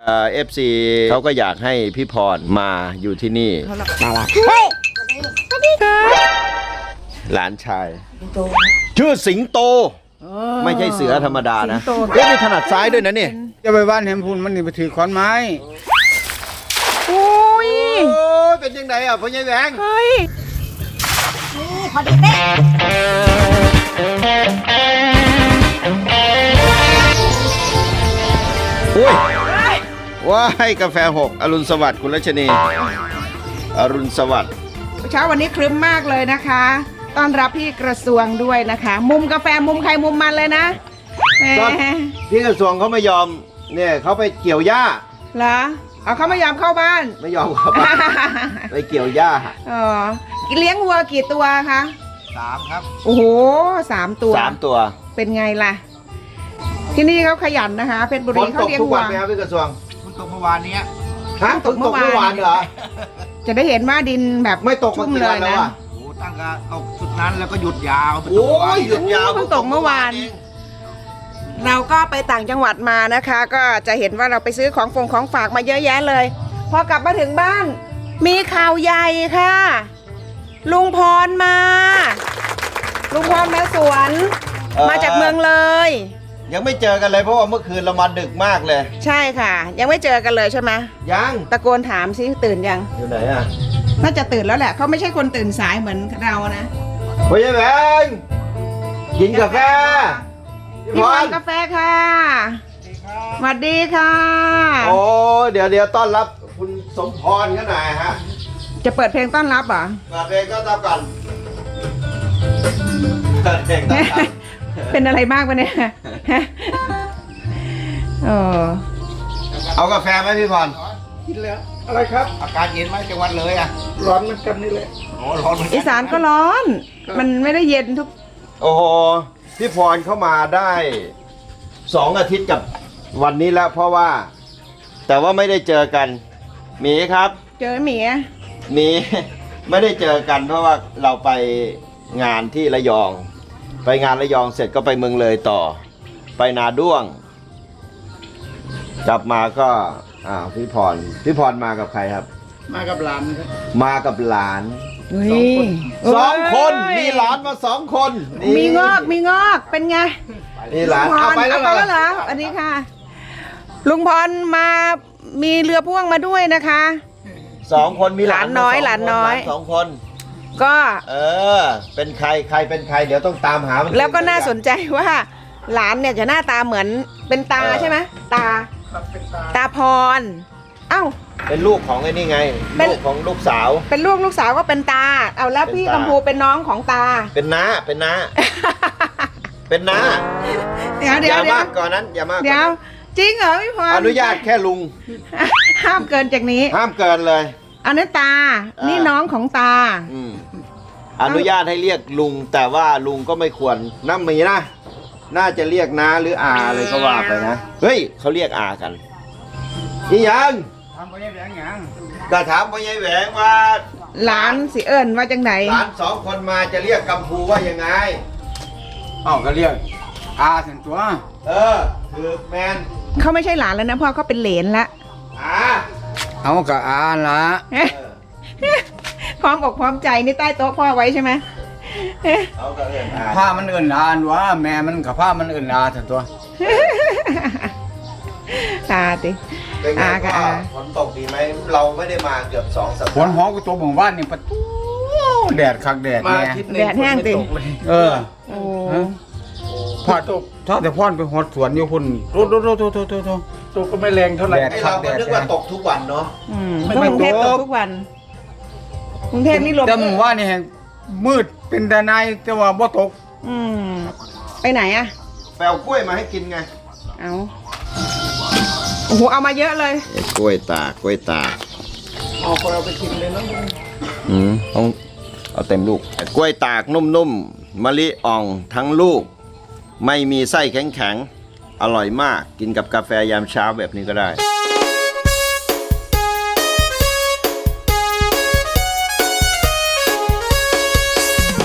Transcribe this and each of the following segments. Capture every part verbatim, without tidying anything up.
เอฟซีเขาก็อยากให้พี่พรมาอยู่ที่นี่หลานชายชื่อสิงโตไม่ใช่เสือธรรมดานะเฮ้ยมีถนัดซ้ายด้วยนะนี่จะไปบ้านแฮมพูนมันนี่ไปถือขอนไม้โอ้ยเป็นยังไงอ่ะพ่อใหญ่แหวงเฮ้ยนี่พอดีเป๊ะอุ้ยว้าให้กาแฟหกอรุณสวัสดิ์คุณรัชนีอรุณสวัสดิ์เช้าวันนี้ครึ้มมากเลยนะคะต้อนรับพี่กระทรวงด้วยนะคะมุมกาแฟมุมใครมุมมันเลยนะพี่กระทรวงเขาไม่ยอมเนี่ยเขาไปเกี่ยวหญ้าเหรอเอาเขาไม่ยอมเข้าบ้านไม่ยอมเข้าบ้านไปเกี่ยวหญ้าอ๋อเลี้ยงวัวกี่ตัวคะสามครับโอ้โหสามตัวสามตัวเป็นไงล่ะที่นี่เขาขยันนะคะเพชรบุรีเขาเลี้ยงวัวฝนตกทุกวันไหมครับพี่กระทรวงฝนตกเมื่อวานนี้ฮะตกเมื่อวานเหรอจะได้เห็นว่าดินแบบไม่ตกชุ่มเลยนะโอ้ตั้งแต่ตกสุดนั้นแล้วก็หยุดยาวโอ้ยหยุดยาวเพิ่งตกเมื่อวานเราก็ไปต่างจังหวัดมานะคะ ก็จะเห็นว่าเราไปซื้อของฟงของฝากมาเยอะแยะเลยพอกลับมาถึงบ้านมีข่าวใหญ่ค่ะลุงพรมาลุงพรมาสวนมาจากเมืองเลยยังไม่เจอกันเลยเพราะว่าเมื่อคืนเรามาดึกมากเลยใช่ค่ะยังไม่เจอกันเลยใช่ไหมยังตะโกนถามซิตื่นยังอยู่ไหนอ่ะน่าจะตื่นแล้วแหละเขาไม่ใช่คนตื่นสายเหมือนเรานะพ่อใหญ่แหวงกินกาแฟพี่พรกาแฟค่ะสวัสดีค่ะโอ้เดี๋ยวเดี๋ยวต้อนรับคุณสมพรกันหน่อยฮะจะเปิดเพลงต้อนรับเหรอเปิดเพลงต้อนรับก่อนเปิดเพลงต้อนรับเป็นอะไรมากวะเนี่ยเออเอากาแฟไหมพี่พรกินแล้วอะไรครับอากาศเย็นไหมจังหวัดเลยอ่ะร้อนเหมือนกันนี่แหละอ๋อร้อนเหมือนกันอีสานก็ร้อนมันไม่ได้เย็นทุกโอ้โหพี่พรเข้ามาได้สองอาทิตย์กับวันนี้แล้วเพราะว่าแต่ว่าไม่ได้เจอกันหมีครับเจอหมีหมีไม่ได้เจอกันเพราะว่าเราไปงานที่ระยองไปงานระยองเสร็จก็ไปเมืองเลยต่อไปนาด้วงกลับมาก็อ่าพี่พรพี่พรมากับใครครับมากับหลานครับมากับหลานสองคนสองคนมีหลานมาสองคนมีงอกมีงอกเป็นไงมีหลานเอาไปแล้วเหรออันนี้ค่ะลุงพรมามีเรือพ่วงมาด้วยนะคะสองคนมีหลานน้อยหลานน้อยสองคนก็เออเป็นใครใครเป็นใครเดี๋ยวต้องตามหาแล้วก็น่าสนใจว่าหลานเนี่ยจะหน้าตาเหมือนเป็นตาใช่ไหมตาตาพรเอ้าเป็นลูกของไอ้นี่ไงลูกของลูกสาวเป็นลูกลูกสาวก็เป็นตาเอาแล้วพี่กำพูเป็นน้องของตาเป็นน้าเป็นน้าเป็นน้าเดี๋ยวเดี๋ยวอย่ามากก่อนนั้นอย่ามากเดี๋ยวจริงเหรอพี่พรอนุญาตแค่ลุงห้ามเกินจากนี้ห้ามเกินเลยอันนั้นตานี่น้องของตาอนุญาตให้เรียกลุงแต่ว่าลุงก็ไม่ควรน้ำมีนะน่าจะเรียกน้าหรืออาเลยก็ว่าไปนะเฮ้ยเขาเรียกอากันนี่ยังถามพ่อใหญ่แหวงยังก็ถามพ่อใหญ่แหวงว่าหลานสิเอิญว่าจังไหนหลานสองคนมาจะเรียกกัมพูว่ายังไงอ๋อก็เรียกอาสันตัวเออคือแมนเขาไม่ใช่หลานแล้วนะพ่อเขาเป็นเหลนละอาเอากับอาละพร้อมอกพร้อมใจนี่ใต้โต๊ะพ่อไว้ใช่ไหมผ้ามันเอิญอานวะแม่มันกับผ้ามันเอิญอาสันตัวตาติอากับอาฝนตกดีไหมเราไม่ได้มาเกือบสองสัปดาห์ฝนหอกูตัวหมู่บ้านนี่ประตูแดดคักแดดแน่แดดแห้งติเออพอดถ้าแต่พ่อนไปหดสวนอยู่พุ่นโตโตโตโตโตโตโตตกก็ไม่แรงเท่าไหร่เราก็นึกว่าตกทุกวันเนาะไม่กรุงเทพตกทุกวันกรุงเทพนี่ลมแต่หมู่บ้านนี่มืดเป็นแต่นายแต่ว่าบ่ตกอืมไปไหนอะแปลกล้วยมาให้กินไงเอาโอ้โหเอามาเยอะเลยกล้วยตากกล้วยตากเอาไปเอาไปกินเลยนะอืมต้องเอาเต็มลูกกล้วยตากนุ่มๆมะลิอ่องทั้งลูกไม่มีไส้แข็งๆอร่อยมากกินกับกาแฟยามเช้าแบบนี้ก็ได้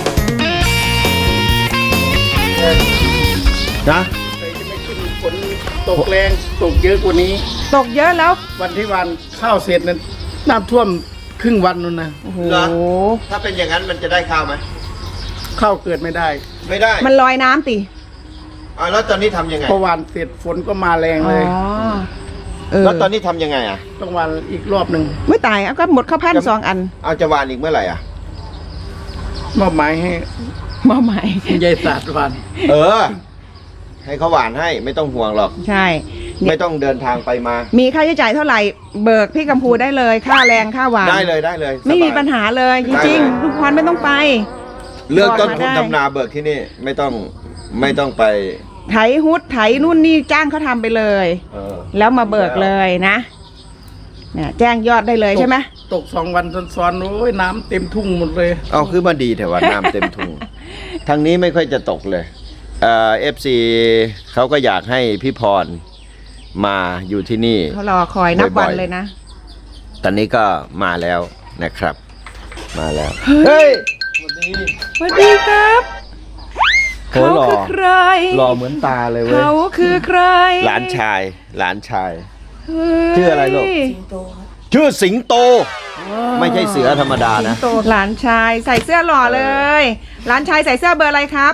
นะตกแรงตกเยอะกว่านี้ตกเยอะแล้ววันที่วันข้าวเสร็จนั้นน้ำท่วมครึ่งวันนู่นนะโอ้โหเหรอ ถ้าเป็นอย่างนั้นมันจะได้ข้าวไหมข้าวเกิดไม่ได้ไม่ได้มันลอยน้ำติอ่าแล้วตอนนี้ทำยังไงพอวันเสร็จฝนก็มาแรงอ๋เลยอเออแล้วตอนนี้ทำยังไงอ่ะต้องวันอีกรอบหนึ่งไม่ตายเอาก็หมดข้าวพันสองอันเอาจะหวานอีกเมื่อไหร่อ่ะมอบหมายให้มาใหม่ยายศาสตร์วันเออ ให้เขาหวานให้ไม่ต้องห่วงหรอกใช่ไม่ต้องเดินทางไปมามีค่าใช้จ่ายเท่าไหร่เบิกพี่กัมพูได้เลย ค่าแรงค่าหวานได้เลยได้เลยไม่มีสบยปัญหาเลยจได้ริงเลยๆลูกพรไม่ต้องไปเรื่องต้นทุนบอกมาได้ทำนาเบิกที่นี่ไม่ต้องไม่ต้องไปไถฮุดไถนู่นนี่จ้างเขาทำไปเลยเออแล้วมาเบิกเลยนะเนี่ยแจ้งยอดได้เลยใช่ไหมตกสองวันซ้อนๆโอ้ยน้ำเต็มทุ่งหมดเลยเอาคือมาดีแต่ว่าน้ำเต็มทุ่ง ทางนี้ไม่ค่อยจะตกเลยเอ่อฟซีเขาก็อยากให้พี่พรมาอยู่ที่นี่เขารอคอยนับวันบ่อยๆเลยนะตอนนี้ก็มาแล้วนะครับ มาแล้ว เฮ้ยสวัสดีครับโหเขาหล่อคือใครหล่อเหมือนตาเลยเว้ยเขาคือใครหลานชาย หลานชายเฮ้ยชื่ออะไรลูก ชื่อสิงโต ไม่ใช่เสือธรรมดานะโตหลานชายใส่เสื้อหล่อเลย หลานชายใส่เสื้อเบอร์อะไรครับ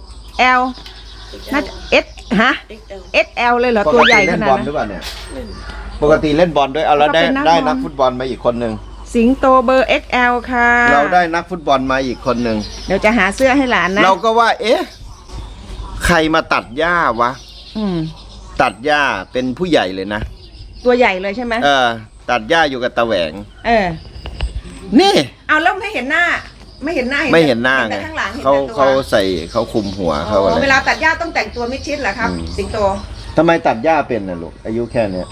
L น่าจะ S ฮะ เอ็กซ์ แอล เลยเหรอ ตัวใหญ่ขเล่นนาดบอลนั้นหรือเปล่าเนี่ย ปกติเล่นบอลด้วย เอาแล้วได้ก็เป็นนักได้บอลนักฟุตบอลมาอีกคนหนึ่งสิงโตเบอร์ เอ็กซ์ แอล ค่ะเราได้นักฟุตบอลมาอีกคนหนึ่งเดี๋ยวจะหาเสื้อให้หลานนะเราก็ว่า เอ๊ะ ใครมาตัดหญ้าวะอืมตัดหญ้าเป็นผู้ใหญ่เลยนะตัวใหญ่เลยใช่ไหมเออ ตัดหญ้าอยู่กับตาแหวงเออนี่เอาแล้วไม่เห็นหน้า ไม่เห็นหน้าไม่เห็นหน้าเห็นไงแต่ข้างหลังเห็นเขาแต่ตัวเขาใส่เขาคุมหัวเขาอะไรเวลาตัดหญ้าต้องแต่งตัวมิดชิดเหรอครับอืมสิงโตทำไมตัดหญ้าเป็นน่ะลูก อายุแค่เนี้ย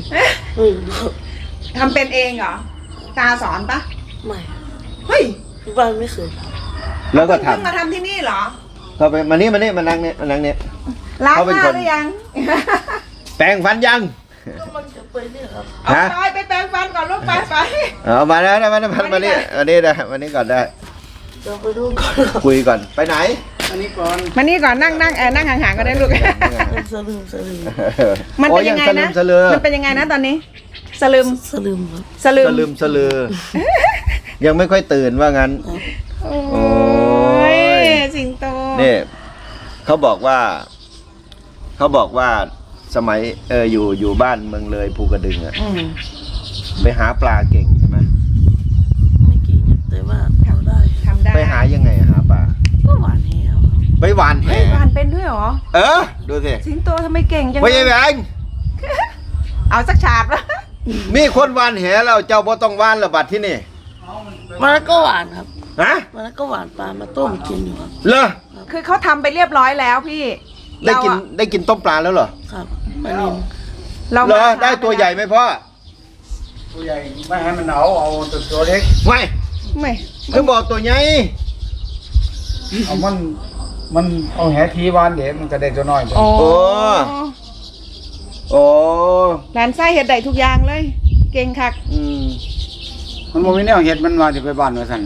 ทำเป็นเองเหรอ ตาสอนปะไม่เฮ้ยที่บ้านไม่เคยทแล้วก็ทเพิ่งมาทำที่นี่เหรอำเขาไปมานี่มานี่มานั่งเนี่ยมานั่งเนี่ยล้างเขาหเป็นน้าคนหรือยังแปรงฟันยังำก็มันจะไปเนี่ยครับเอาฮะไปไปแปรงฟันก่อนลูกไปไปเอามาแล้วนะมาแล้วมามานี่มานี่นะมานี่ก่อนได้จะไปดูก่อนครับคุยก่อน ไปไหนอันนี้ก่อนมานี่ก่อนนั่งนั่งเออนั่งห่างๆก็ได้ลูกเป็นสลืมสลืมมันเป็นยังไงโอ้นะสลืมสลือมันเป็นยังไงนะตอนนี้ สลืมสลืมครับสลืมสลืมสลือ ยังไม่ค่อยตื่นว่างั้นโอ้โอ้ยยสิงโตนี่เขาบอกว่า เขาบอกว่าสมัยเอออยู่อยู่บ้านเมืองเลยภูกระดึงอะอืมไปหาปลาเก่งใช่ไหมไม่เก่งแต่ว่าทำได้ทำได้ไปหายังไงอะหาปลาก็หวานแหวไปหวานแหเฮ้ยหวานเป็นด้วยเหรอเออ ดูสิสิงโตทำไมเก่งจังไม่ใช่แหวงเอาสักฉาดวะมีคนหวานแหแล้วเจ้าบ่ต้องหวานระบัดที่นี่มันนนก็หวานครับฮะมันนนก็หวานปลามาต้มกินอยู่ครับเหรอคือเขาทำไปเรียบร้อยแล้วพี่ได้กินเราอะได้กินต้มปลาแล้วเหรอครับปลานินเราเหรอมาช้าได้ตัวใหญ่ไหมพ่อตัวใหญ่ไม่ให้มันเอาเอาแต่ตัวเล็กไม่ไม่คือบอกตัวใหญ่เอามันมันเอาแหทีวานเดี๋ยวมันก็ได้ตัวน้อยโอ้โอ้ โอ้หลานไส้เห็ดได้ทุกอย่างเลย เก่งคักอืมมันบ่มีแนวเห็ดมันว่าสิไปบ้านว่าซั่น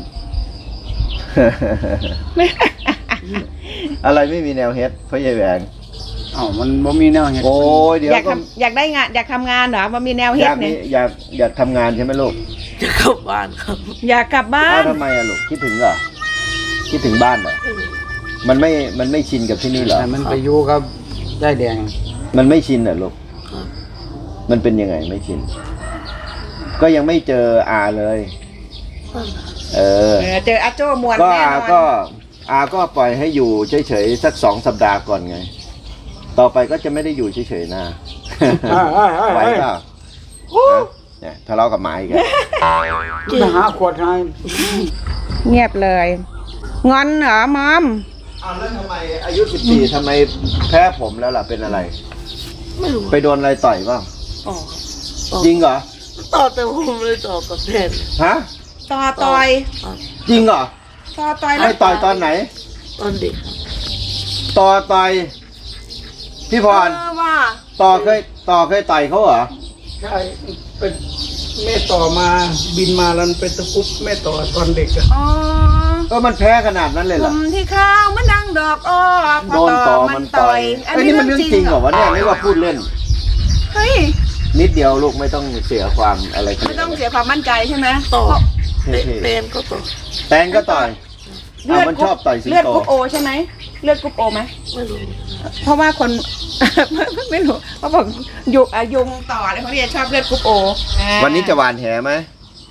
อะไรไม่มีแนวเฮ็ดพ่อใหญ่แหวงเอ้ามันบ่มีแนวเห็ดโอ้ยเดี๋ยวอยากก็ทำอยากได้งานอยากทำงานเหรอมันมีแนวอเฮ็ดยากมีเนี่ยอยากอยากทำงานใช่ไหมลูกจะกลับบ้านครับอยากกลับบ้าอ้าวน ทำไมอะลูกคิดถึงเหรอคิดถึงบ้านเหรอมันไม่มันไม่ชินกับที่นี่เหรอแต่มันไปอยู่กับได้แดงมันไม่ชินเหรอลูกครับมันเป็นยังไงไม่ชิน ก็ยังไม่เจออาเลย เออเออเจออาโจ้มวนก็แน่นอาอนก็อาก็ปล่อยให้อยู่เฉยๆสักสองสัปดาห์ก่อนไง ต่อไปก็จะไม่ได้อยู่เฉยๆนะ ไหวเปล่าฮะเนี่ยทะเลาะกับหมาอีกแล้วมาหาขวดให้เงียบเลย งอนเหรอมอมอ้าวแล้วทำไมอายุสิบสี่ทำไมแพ้ผมแล้วล่ะเป็นอะไรไม่รู้ไปโดนอะไรต่อยบ้างอ๋อต่อจริงเหรอต่อแต่ผมเลยต่อกับแทนฮะต่อต่อยครับจริงเหรอต่อต่อยแล้ไม่วต่อยตอนไหนตอนเด็กครับต่อต่อยพี่พรเออว่าต่อเคยต่อเคยต่อยเขาเหรอใช่เป็นแม่ต่อมาบินมาแล้วเป็นตะกุบแม่ต่อตอนเด็กอะอ๋อเออมันแพ้ขนาดนั้นเลยกเหรอลุ่มที่ข้าวมันดังดอกอ้อพโดอน ต่ต่ออมัมัน นต่ต่ออย ยอันอันนี้นี้มันเรื่เรื่ออง งจจริริงงเหเหรรออวะเนี่ยนี่ว่าพูดเล่นเฮ้ยนิดเดียวลูกไม่ต้องเสียความอะไรขนาไม่ดต้องนั้นเสียความมั่นใจใช่ไหมต่อเท่เตนก็ต่อๆแตงก็ต่อยเอามันชอบต่อยสิงเลือดโตกรุ๊ปโอใช่ไหมเลือดกรุ๊ปโอไหมไม่รู้เพราะว่าคน ไม่รู้เขาบอกยุงอ่ะยุงต่ออะไรเขาเรียกชอบเลือดกรุ๊ปโอวันนี้จะหวานแหไหม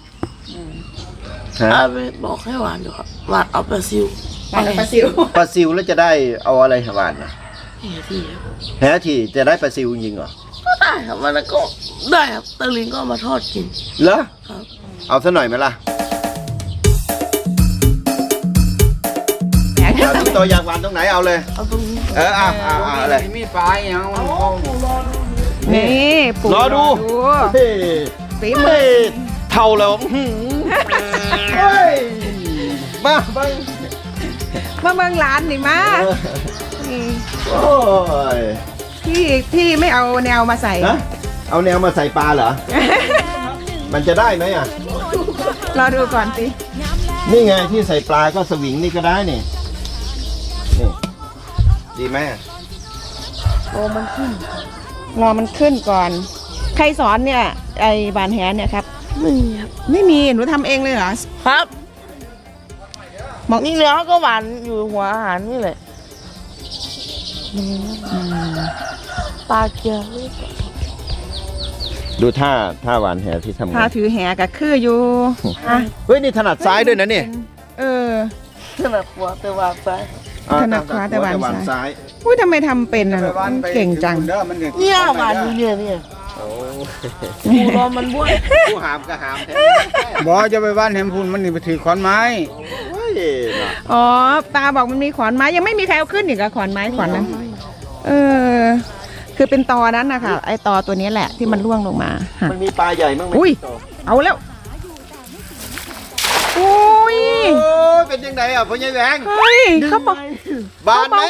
ฮะอาไปบอกให้หวานอยู่ครับหวานเอาปลาซิวปลาปลาซิวปลาซิวแล้วจะได้เอาอะไรหวานนะเฮ้ยพี่ครับแหทีจะได้ปลาซิวจริงเหรอก็ได้ครับมันก็ได้ครับตะลิงก็เอามาทอดกินเหรอครับเอาซะหน่อยไหมล่ะเอาสิงโตอยากหวานตรงไหนเอาเลยเอาตรงนี้เออเอาเอาเอาอะไรมีปลาอย่างมันเข้านี่ปู่รอดูเฮ้ยฝีเฮ้มือยเท่าแล้วอื้อหือเฮ้ยมาไปมาเมืองร้านนี่มาเออนี่โอ้ยพี่พี่ไม่เอาแนวมาใส่ฮะเอาแนวมาใส่ปลาเหรอ มันจะได้ไหมอ่ะรอดูก่อนสินี่ไงที่ใส่ปลาก็สวิงนี่ก็ได้นี่นี่ดีไหมอะโอ้มันขึ้น รอมันขึ้นก่อน ใครสอนเนี่ย ไอ้บานแหเนี่ยครับไม่มีครับไม่มี หนูทำเองเลยเหรอครับมองนี่เนื้อก็หวานอยู่หัวอาหารนี่แหละปลาเกี๊ยวนี่ดูท่าท่าหวานแหที่ทำไงพาถือแหกับคืออยู่อ่ะเฮ้ยนี่ถนัดซ้ายด้วยนะเนี่ยเออถนัดหัวแต่หวานไปอ่ถนัดขวาแต่หวานหวานซ้าซ้าย ยอุ้ยทำไมทำเป็นอ่ะลูกเก่งจังเด้อมันเนี่ยเนี่ยหวานอยู่เนี่ยเนี่ยโอ้ปูรอมันบ้วนผู้หามก็หามแท้บ่จะไปบ้านแหมพูนมันนี่ไปถือขอนไม้โอ้ยน่ะอ๋อ ตาบอกมันมีขอนไม้ยังไม่มีใครเอาขึ้นอีกอะขอนไม้ขอนนั้น เออ คือเป็นตอนั้นนะคะไอตอตัวนี้แหละที่มันร่วงลงมาหักมันมีปลาใหญ่มั้งไหมอุ้ยโตเอาแล้ว อุ้ยโอ้ยเป็นยังไงอ่ะพ่อใหญ่แหวงเฮ้ยเขาบอกบานไหม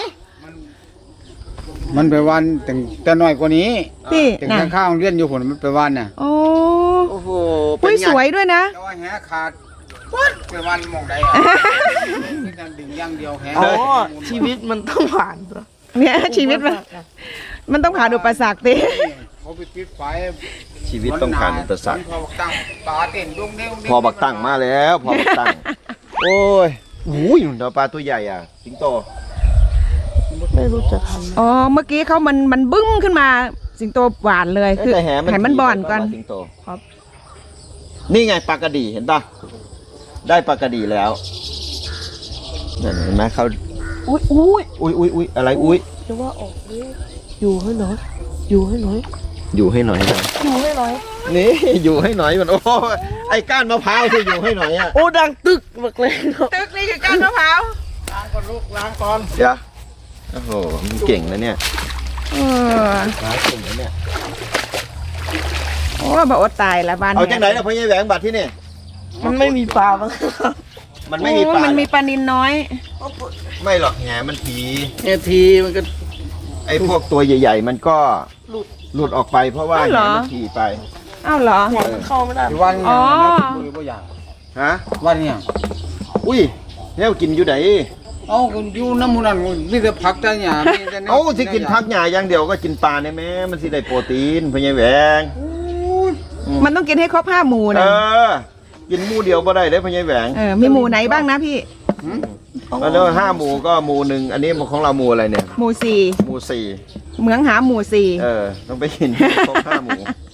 มันไปวันแต่แต่น้อยกว่านี้พี่แต่น่ะข้างๆเรียนอยู่ผลมันไปวันน่ะโอ้โอ้โหอุ้ยไงสวยด้วยนะแต่ว่าแหขาดวัดไปวันมองใดอ่ะนี่การดึงอย่างเดียวแหอ๋อชีวิตมันต้องหวานเหรอเนี่ยชีวิตมันมันต้องผ่านอุปสรรคดิเขาไปปิดไฟชีวิตต้องผ่านอุปสรรคพอบักตั้งตาเต้นดุ้งเด้งพอบักตั้งมาแล้วพอบักตั้ง โอ้ยอุ้ยหนูปลาตัวใหญ่อ่ะสิงโตไม่รู้จะทำอ๋อ เมื่อกี้เขามันมันบึ้มขึ้นมาสิงโตหวานเลยคือแต่แหมันให้มันบ่อนก่อนสิงโตครับ นี่ไงปลากระดีเห็นปะได้ปลากระดีแล้วนั่นเห็นไหมเขาอุ้ยอุ้ยอุ้ยอุ้ยอุ้ยอะไรอุ้ยจะว่าออกเลยอยู่ให้หน่อย อยู่ให้หน่อยอยู่ให้หน่อยนะอยู่ให้หน่อยนี่ อยู่ให้หน่อยมันโอ้ไอ้ก้านมะพร้าวที่อยู่ให้หน่อยอ่ะโอ้ดังตึกบักเลยครับตึกนี่คือก้านมะพร้าวล้างก่อนลูกล้างก่อนเดี๋ยวโอ้โหมันเก่งนะเนี่ยเออหาเก่งนะเนี่ยโอ้บอกว่าตายละบ้านเอาจากไหนนะพ่อใหญ่แหวงบัตรที่นี่มันไม่มีปลาบ้างครับมันไม่มีปลาโอ้มันมีเหรอปลานินน้อยไม่หรอกแหมันผีเนี่ยทีมันก็ไอ้พวกตัวใหญ่ๆ มันก็หลุดหลุดออกไปเพราะว่าอ้าวแหเหรอมันผีไปอ้าวเหรอหัวมันเข้าไม่ได้ที่วันอ๋เนี่ยอนะมือบ่อยากฮะวันเนี่ยอุ้ยแล้วกินอยู่ไหนเอาคนอยู่น้ำมูนันมีแต่ผักแต่หญ้ามีแต่แนวเอาสิกินพักหญ้าอย่างเดียวก็กินปลาเนี่ยแม่มันสิได้โปรตีนพ่อใหญ่แหวงมันต้องกินให้ครบห้าหมู่เอนะอ กินหมูเดียวบ่ได้เลยพ่อใหญ่แหวงเออ มีหมู่ไหนบ้างนะพี่แล้วห้าหมูก็หมูหนึ่งอันนี้ของเราหมูอะไรเนี่ยหมู่สี่หมูสี่เหมืองหาหมู่สี่เออ ต้องไปกินครบห้าหมู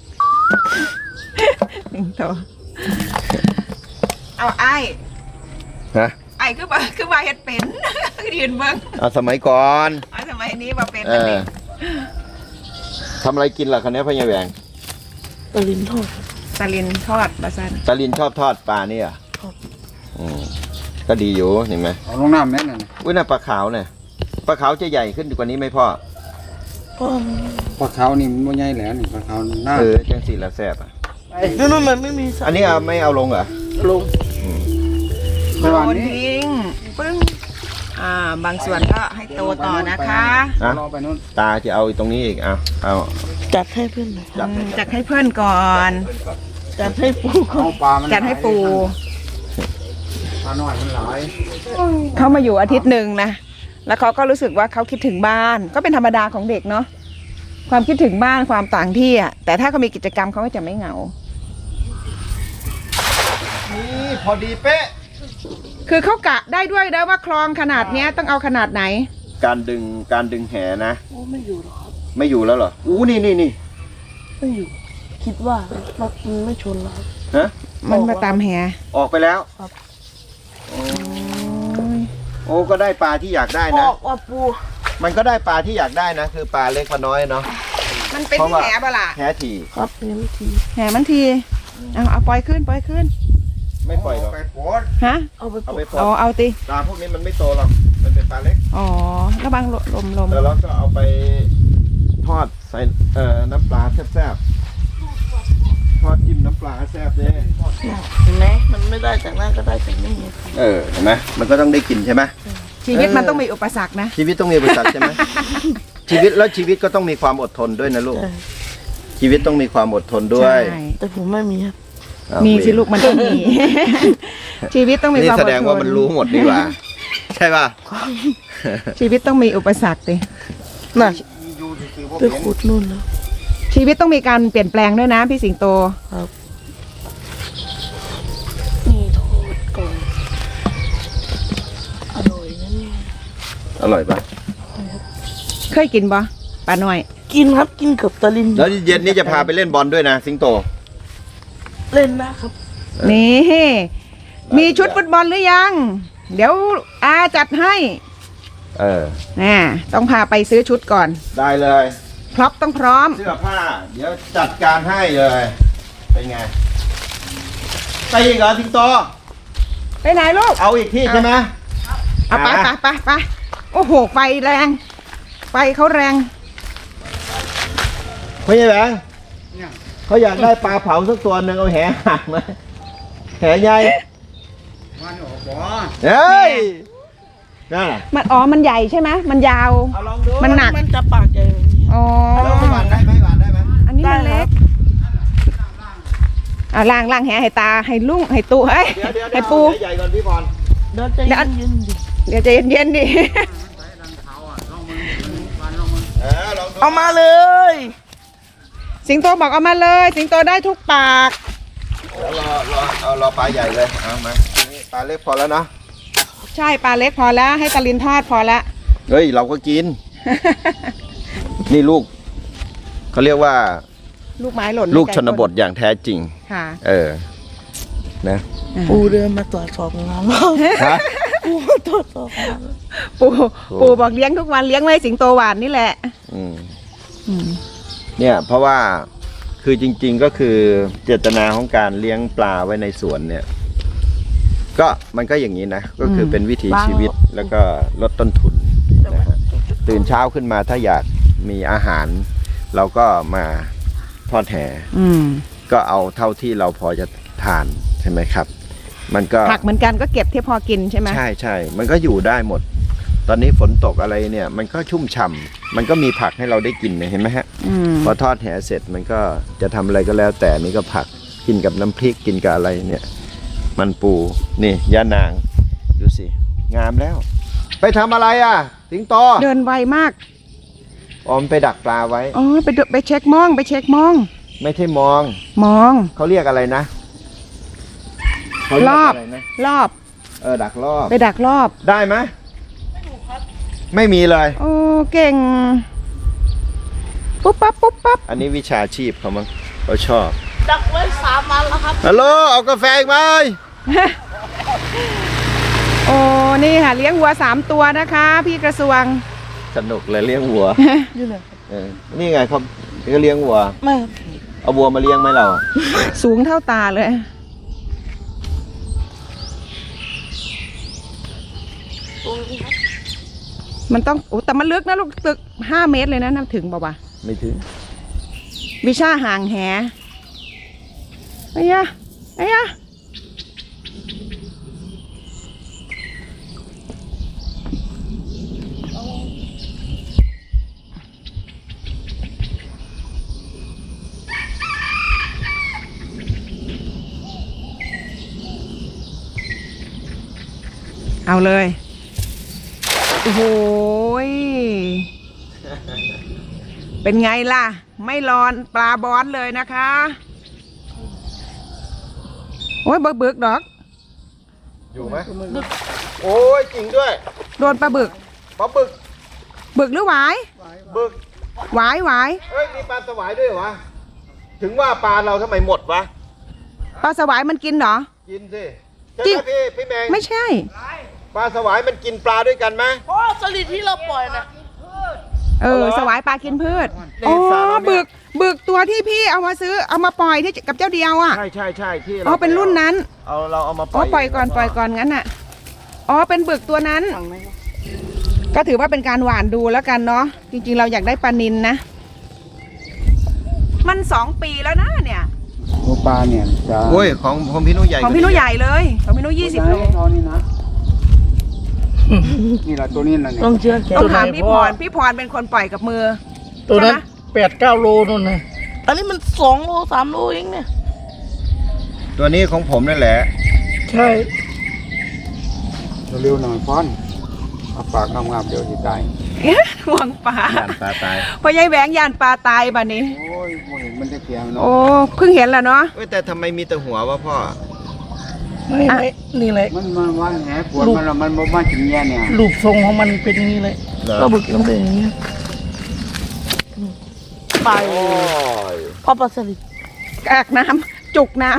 สิงโตเอาไอ้ฮะไอ้คือว่าคือว่าเฮ็ดเป็น ยืนเบิ้งเอาสมัยก่อนเอาสมัยนี้ว่าเป็นเออันอนี้ทำอะไรกินล่ะคันนี้พ่อใหญ่แหวงตะลินทอดตะลินทอดบาซันตาลินชอบทอดปลาเนี่ยเหรอครับอืมก็ดีอยู่เห็นไหมเอาลงน้ำแม่นน่ะอุ้ยน่าปลาขาวเนี่ยปลาขาวจะใหญ่ขึ้นกว่านี้ไหมพ่อก็ปลาขาวนี่มันบ่ใหญ่แหล้วนี่ปลาขาวหน้าเออจังสีละแซ่บอ่ะนู่นมันไม่มีสัตว์อันนี้เอาไม่เอาลงเหรอลงไปวันโยนนี้ทิ้งปึ้งอ่า บางส่วนก็ให้โตต่อนะคะอ่ะรอไปนู่นตาจะเอาตรงนี้อีกเอาเอาจัดให้เพื่อนหน่อยจับอืมจัดให้เพื่อนก่อนจัดให้ปูก่อเอานปลามันจัดให้ปูเปลาน้อยมันหลายเขามาอยู่อาทิตย์หนึ่งนะ แล้วเขาก็รู้สึกว่าเขาคิดถึงบ้าน ก็เป็นธรรมดาของเด็กเนาะ ความคิดถึงบ้านความต่างที่อ่ะ แต่ถ้าเขามีกิจกรรมเขาก็จะไม่เหงานี่พอดีเป๊ะคือเขากะได้ด้วยนะว่าคลองขนาดเนี้ยต้องเอาขนาดไหนการดึงการดึงแหนะโอ้ไม่อยู่หรอกครับไม่อยู่แล้วเหรออู้นี่นี่นี่ไม่อยู่ คิดว่ารถมันไม่ชนแล้วครับฮะมันมาตามแหออกไปแล้วครับโอ้โอ้ก็ได้ปลาที่อยากได้อนะอกว่าปูมันก็ได้ปลาที่อยากได้นะ คือปลาเล็กปลาน้อยเนาะมันเป็นเพราะที่ว่าแหบ่ล่ะแหถี่ครับเห็นทีแหมันที เอาเอาปล่อยขึ้นปล่อยขึ้นไม่ปล่อยหรอกไปโพดฮะเอาไปเอาปไปลูกปล่อยอ๋อเอาติปลาพวกนี้มันไม่โตหรอกมันเป็นปลาเล็กอ๋อระวังลมลมแล้วเราก็เอาไปทอดใส่เอ่อน้ำปลาแซ่บๆทอดจิ้มน้ำปลาแซ่บเลยเห็นไหมมันไม่ได้จากนั้นก็ได้จากนี่เออเห็นไหมมันก็ต้องได้กินใช่ไหมชีวิตมันต้องมีอุปสรรคนะชีวิตต้องมีอุปสรรคใช่ไหม ชีวิตแล้วชีวิตก็ต้องมีความอดทนด้วยนะลูกใช่ชีวิตต้องมีความอดทนด้วยใช่แต่ผมไม่มีครับอ้าวมีสิลูกมันต้องมี ชีวิตต้องมีนี่ความแสอดดงทว่ามันนรู้หมดดีกว่า ใช่ป่ะชีวิตต้องมีอุปสรรคดิน่ะไปขุดนู่นแล้วชีวิตต้องมีการเปลี่ยนแปลงด้วยนะพี่สิงโตครับนี่โทษก่อนอร่อยนะเนี่ยอร่อยป่ะเคยกินปะปลาหน่อยกินครับกินกับตะลินแล้วเย็นนี้จะพาไปเล่นบอลด้วยนะ สิงโตเล่นนะครับนี่ มีชุดฟุตบอลหรือยัง เดี๋ยวอาจัดให้เออน่ต้องพาไปซื้อชุดก่อนได้เลยพร็อพต้องพร้อมเสื้อผ้า เดี๋ยวจัดการให้เลย เป็นไง ไปอีกเหรอสิงโตไปไหนลูกเอาอีกที่ใช่ไหมเอาไปไปไปไปโอ้โห ไฟแรง ไฟเขาแรงไม่ใช่แหวงเนี่ยเขาอยากได้ปลาเผาสักตัวหนึ่งเอาแหหักมาแหใหญ่มันออกบ่เฮ้ยนั่นน่ะมันอ๋อ มันใหญ่ใช่ไหม มันยาวเอาลองดูมันหนักมันจะปากใหญ่แบบนี้อ๋อแล้วหวานได้ไหมหวานได้ไหมอันนี้มันเล็กอ่าล่างล่างแหให้ตา ให้ลุงให้ตูเฮ้ยเดี๋ยวเดี๋ยวให้ปูใหญ่ๆก่อนพี่บอลเดี๋ยวใจเย็นๆดิเดี๋ยวใจเย็นๆดิเออลองดูเอามาเลยสิงโตบอกเอามาเลย สิงโตได้ทุกปากแล้วรอรอเอารอปลาใหญ่เลยเอามานี่ปลาเล็กพอแล้วนะใช่ปลาเล็กพอแล้ว ให้ตาลินทอดพอแล้วเฮ้ยเราก็กิน นี่ลูกเขาเรียกว่าลูกไม้หล่นลูกชนบทอย่างแท้จริงค่ะเออ นะปูเดินมาตรวจสอบงานแล้วฮะปูมาตรวจสอบงานปูปูบอกเลี้ยงทุกวันเลี้ยงไว้สิงโตหวานนี่แหละอืมอืมเนี่ยเพราะว่าคือจริง ๆก็คือเจตนาของการเลี้ยงปลาไว้ในสวนเนี่ย ก็มันก็อย่างนี้นะ ก็คือเป็นวิถีชีวิตแล้วก็ลดต้นทุนนะฮะตื่นเช้าขึ้นมาถ้าอยากมีอาหาร เราก็มาทอดแหอืมก็เอาเท่าที่เราพอจะทานใช่ไหมครับ มันก็ผักเหมือนกันก็เก็บที่พอกินใช่ไหมใช่ใช่มันก็อยู่ได้หมด ตอนนี้ฝนตกอะไรเนี่ย มันก็ชุ่มฉ่ำมันก็มีผักให้เราได้กินเนี่ยเห็นไหมฮะอืมพอทอดแหเสร็จมันก็จะทำอะไรก็แล้ว แต่นี่ก็ผักกินกับน้ำพริกกินกับอะไรเนี่ย มันปูนี่ย่านางดูสิงามแล้ว ไปทำอะไรอ่ะสิงโตเดินไวมากออมไปดักปลาไว้อ๋อไปดูไปเช็คมองไปเช็คมองไม่ใช่มองมองเขาเรียกอะไรนะเขาเรียกรอบอะไรนะรอบเออดักรอบไปดักรอบได้ไหมไม่มีเลยโอ้เก่ง ปุ๊บปั๊บปุ๊บปั๊บอันนี้วิชาชีพเขามั้งเขาชอบดักไว้สามวันแล้วครับฮัลโหลเอากาแฟอีกไหมโอ้นี่ค่ะเลี้ยงวัวสามตัวนะคะ พี่กระทรวงสนุกเลยเลี้ยงวัวอยู่ไหนเออนี่ไงเขาก็เลี้ยงวัวไม่ครับเอาวัวมาเลี้ยงไหมเราอะสูงเท่าตาเลย มันต้องโอ้แต่มันลึกนะลูกตึกห้าเมตรเลยนะน้ำถึงบอกว่าไม่ถึงวิชาห่างแหไอ้ยะไอ้ยะเอาเลย โอ้โหยเป็นไงล่ะ ไม่ร้อนปลาบอนเลยนะคะ โอ้ยบึกบึกดอกอยู่ไหมโอ้ยจริงด้วยโดนปลาบึกปลาบึกบึกหรือหวายบึกหวายหวายเอ้ยมีปลาสวายด้วยเหรอวะถึงว่าปลาเราทำไมหมดวะปลาสวายมันกินเหรอกินสิใช่จริงไหมพี่พี่แมงไม่ใช่ปลาสวายมันกินปลาด้วยกันไหมโอ้สลิดที่เราปล่อยนะเออเอาเหรอสวายปลากินพืชในอ๋อสระเราเนี่ยบึกบึกตัวที่พี่เอามาซื้อเอามาปล่อยที่กับเจ้าเดียวอ่ะใช่ใช่ใช่ที่อ๋อเป็นรุ่นนั้นเอาเราเอามาปอ๋ล่ออยปล่อยก่อนปล่อยก่อนงั้นอ่ะอ๋อเป็นบึกตัวนั้น ก็ถือว่าเป็นการหวานดูแล้วกันเนาะจริงๆเราอยากได้ปลานิลนะ มันสองปีแล้วนะเนี่ยตัวปลาเนี่ยจะโอ้ยของของพี่นุ้ยใหญ่ของพี่นุ้ยใหญ่เลยของพี่นุ้ยยี่สิบโลเท่านี้นะนี่แหละตัวนี้นะเนี่ยต้องเชื่อแกต้องถามพี่พรพี่พรเป็นคนปล่อยกับมือตัวนั้นใช่ไหมแปดเก้าโลนู่นนะอันนี้มันสองโลสามโลเองเนี่ยตัวนี้ของผมนั่นแหละใช่เร็วๆหน่อยฟ้อนเอาปากงามๆเดี๋ยวจะตายห่วงปลาย่านปลาตายพอยายแหวงยานปลาตายบัดนี้โอ้ยโมเห็นมันจะเสียมันเนาะโอ้เพิ่งเห็นแล้วเนาะเอ้ยแต่ทำไมมีแต่หัววะพ่อไม่อ่ะไม่นี่แหละมันมันว่าแหปวดมันแล้วมันบ่มากินแย่เนี่ยรูปทรงของมันเป็นอย่างนี้เลยเหรอก็บึกต้องเป็นอย่างนี้ไปโอ้ยเพราะปลาสลิดกากน้ำจุกน้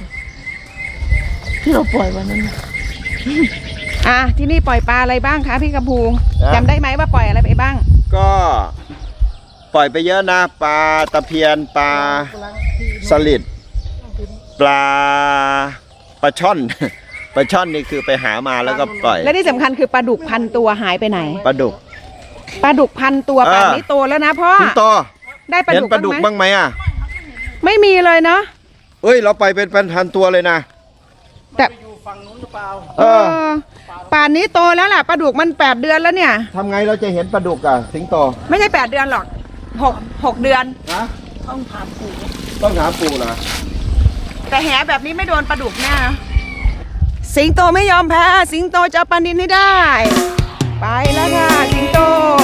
ที่เราปล่อยวันนั้นน่ะำอ่ะที่นี่ปล่อยปลาอะไรบ้างคะพี่กระพูจำได้ไหมว่าปล่อยอะไรไปบ้างก็ปล่อยไปเยอะนะปลาตะเพียนปลาสลิดปลาปลาช่อน ปลาช่อนนี่คือไปหามาแล้วก็ปล่อยและที่สำคัญคือปลาดุกพันตัวหายไปไหนปลาดุกปลาดุกพันตัวเออป่านนี้โตแล้วนะพ่อสิงโตได้ปลาเห็นดุกปลาดุกบ้างไหมบ้างไหมอ่ะไม่มีเลยเนาะเอ้ยเราไปเป็นพันๆตัวเลยนะแต่อยู่ฝั่งนู้นหรือเปล่าเออเออป่านนี้โตแล้วล่ะปลาดุกมันแปดเดือนแล้วเนี่ยทำไงเราจะเห็นปลาดุกอ่ะสิงโตไม่ใช่แปดเดือนหรอกหกหกเดือนนะต้องถามปู่ต้องหาปูนะแต่แหแบบนี้ไม่โดนปลาดุกแน่นะสิงโตไม่ยอมแพ้ สิงโตจะเอาปลานิลให้ได้ ไปแล้วค่ะ สิงโต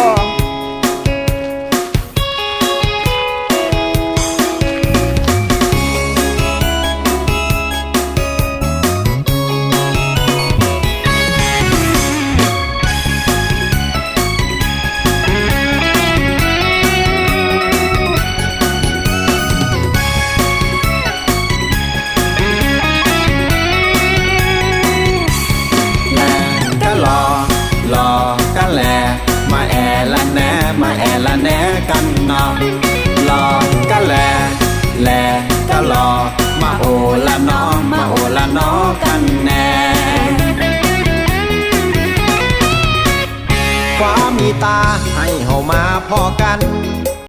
ก็รอรอกันแลมาแอละแหนมาแอละแหนกันเนาะรอกันแลแลก็รอมาโอละเนอมาโอละเนอกันแน่ความมีตาให้เฮามาพอกัน